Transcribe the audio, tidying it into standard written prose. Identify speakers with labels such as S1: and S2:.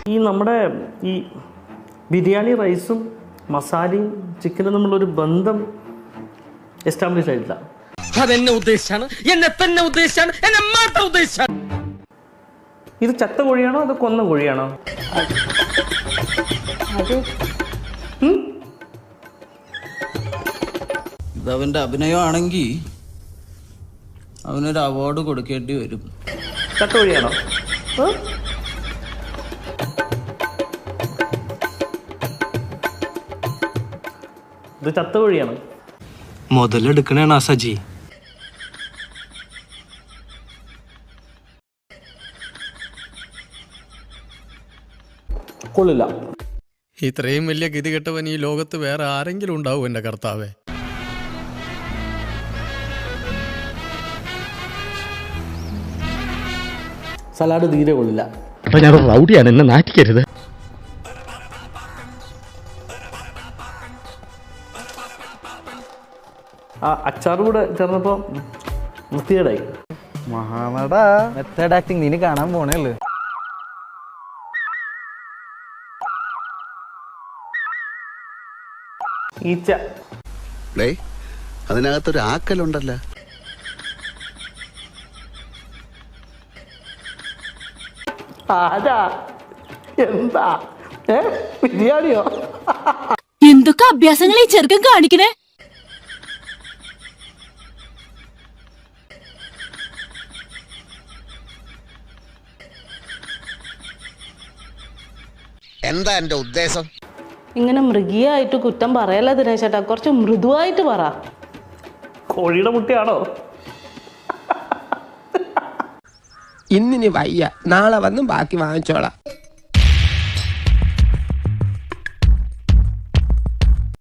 S1: ഈ നമ്മുടെ ഈ ബിരിയാണി റൈസും മസാലയും ചിക്കനും തമ്മിലൊരു ബന്ധം എസ്റ്റാബ്ലിഷ് ആയിട്ടില്ല.
S2: അതെന്നെ ഉദ്ദേശിച്ചാണ്, എന്നെ തന്നെ ഉദ്ദേശിച്ചാണ്, എന്നെ മാത്രം ഉദ്ദേശിച്ചാണ്.
S1: ഇത് ചത്ത കോഴിയാണോ അതോ കൊന്ന കോഴിയാണോ?
S3: ഇതവന്റെ അഭിനയമാണെങ്കിൽ അവനൊരു അവാർഡ് കൊടുക്കേണ്ടി വരും.
S1: ചത്ത കോഴിയാണോ? ഇത് ചത്ത കോഴിയാണ്.
S4: മുതലെടുക്കണേണ സജി.
S1: കൊള്ളില്ല.
S5: ഇത്രയും വലിയ ഗതികെട്ടവൻ ഈ ലോകത്ത് വേറെ ആരെങ്കിലും ഉണ്ടാവും എൻ്റെ കർത്താവേ?
S1: സലാഡ് തീരെ കൊള്ളില്ല.
S4: അപ്പൊ ഞാൻ റൗഡിയാണ്, എന്നെ നാറ്റിക്കരുത്.
S1: ആ അച്ചാർ കൂടെ ചേർന്നപ്പോ വൃത്തികേടായി.
S6: മഹാനട മെത്തേഡ് ആക്ടിങ് നീ കാണാൻ പോണേള്ളു.
S1: ഈച്ച.
S7: അതിനകത്തൊരു ആക്കലുണ്ടല്ലോ.
S1: ആരാ? എന്താ? ബിരിയാണിയോ?
S8: എന്തൊക്കെ അഭ്യാസങ്ങൾ ഈ ചെറുക്കൻ കാണിക്കണേ?
S7: എന്താ എന്റെ ഉദ്ദേശം?
S9: ഇങ്ങനെ മൃഗീയമായിട്ട് കുറ്റം പറയല്ല ദിനേശേട്ടാ, കുറച്ച് മൃദുവായിട്ട് പറ.
S1: കോഴിയുടെ മുട്ടയാണോ?
S2: ഇന്നിനി വയ്യ, നാളെ വന്നും ബാക്കി വാങ്ങിച്ചോളാം.